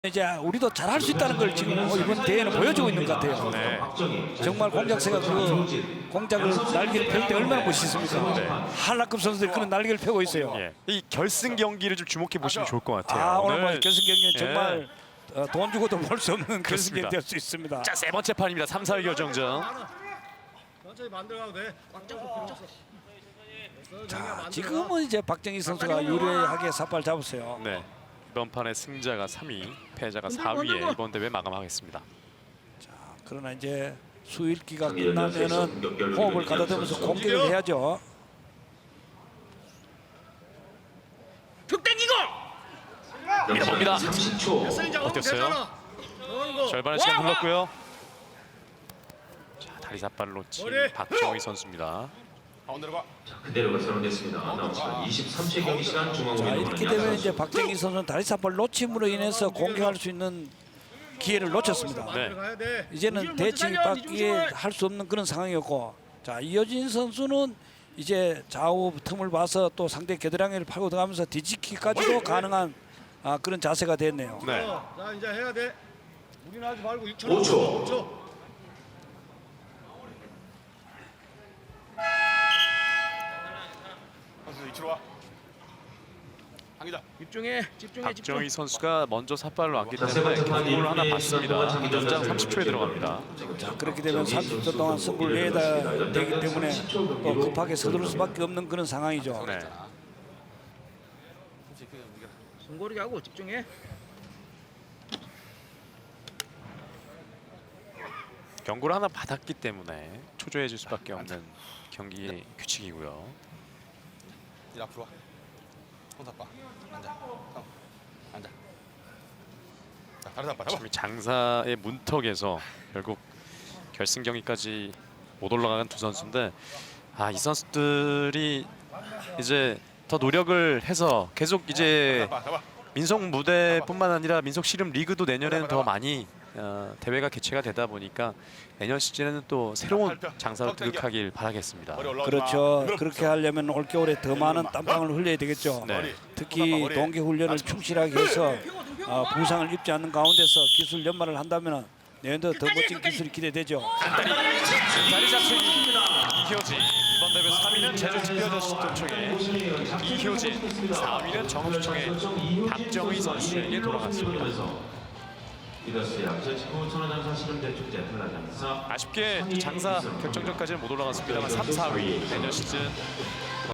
이제 우리도 잘할 수 있다는 걸 지금 이번 대회는 보여주고 있는 것 같아요. 네. 정말 공작새가 그 공작을 날개를 펼 때 얼마나 멋있습니까? 네. 한라급 선수들이 그런 날개를 펴고 있어요. 예. 이 결승 경기를 좀 주목해 보시면 좋을 것 같아요. 아, 오늘 결승 경기는 예. 정말 돈 주고도 볼 수 없는 결승 그렇습니다. 경기 될 수 있습니다. 자, 세 번째 판입니다. 3, 4위 결정전. 천천히 만들어가도 돼. 자, 지금은 이제 박정희 선수가 유리하게 삿발 잡았어요. 네. 이번 판의 승자가 3위, 패자가 4위에 이번 대회 마감하겠습니다. 그러나 이제 수일기가 끝나면은 호흡을 가다듬으면서 공격을 해야죠. 툭 땡기고. 밀어봅니다. 30초. 어땠어요? 절반의 시간 흘렀고요. 자, 다리 삿발을 놓친 박정희 선수입니다. 그대로가 선언됐습니다. 남은 23세 경기 시간 자, 중앙공인 이렇게 되면 이제 박정희 선수는 다리 삿발 놓침으로 인해서 공격할 수 있는 기회를 놓쳤습니다. 네. 가야 돼. 이제는 대치밖에 할 수 없는 그런 상황이었고, 자, 이효진 선수는 이제 좌우 틈을 봐서 또 상대 겨드랑이를 파고 들어가면서 뒤집기까지도 가능한 그런 자세가 됐네요. 네. 자, 이제 해야 돼. 무리는 하지 말고 6초. 5초. 5초. 집중해. 박정희 선수가 먼저 삿발로 왔기 자, 세 때문에 번째 판 경고를 하나 1분 받습니다. 장기전 연장 선수 30초에 들어갑니다. 자, 그렇게 되면 30초 동안 승부를 내야 되기 때문에 또 급하게 서두를 수밖에 없는 그런 상황이죠. 네. 손고르기 하고 집중해. 경고를 하나 받았기 때문에 초조해질 수밖에 없는 경기 규칙이고요. 일 앞으로 와. 손 잡아. 앉아. 형. 앉아. 자, 다리 잡아. 잡아. 참 장사의 문턱에서 결국 결승 경기까지 못 올라간 두 선수인데, 이 선수들이 이제 더 노력을 해서 계속 이제 잡아. 잡아. 민속 무대뿐만 아니라 민속 씨름 리그도 내년에는 더 많이 대회가 개최가 되다 보니까 내년 시즌에는 또 새로운 장사로 등극하길 바라겠습니다. 머리 올라오지 그렇죠. 마. 그렇게 하려면 올겨울에 더 많은 땀방을 흘려야 되겠죠. 네. 특히 동계 훈련을 충실하게 해서 부상을 입지 않는 가운데서 기술 연마를 한다면 내년도 더 멋진 기술이 기대되죠. 다리 잡히기 이효진, 이번 대회 3위는 제주특별자치도청의 이효진, 4위는 정읍시청의 박정희 선수에게 돌아갔습니다. 이더스의 앞서 직후 천하장사 실험대축제 한라장사 아쉽게 장사 결정전까지는 못 올라갔습니다만 3, 4위 내년 시즌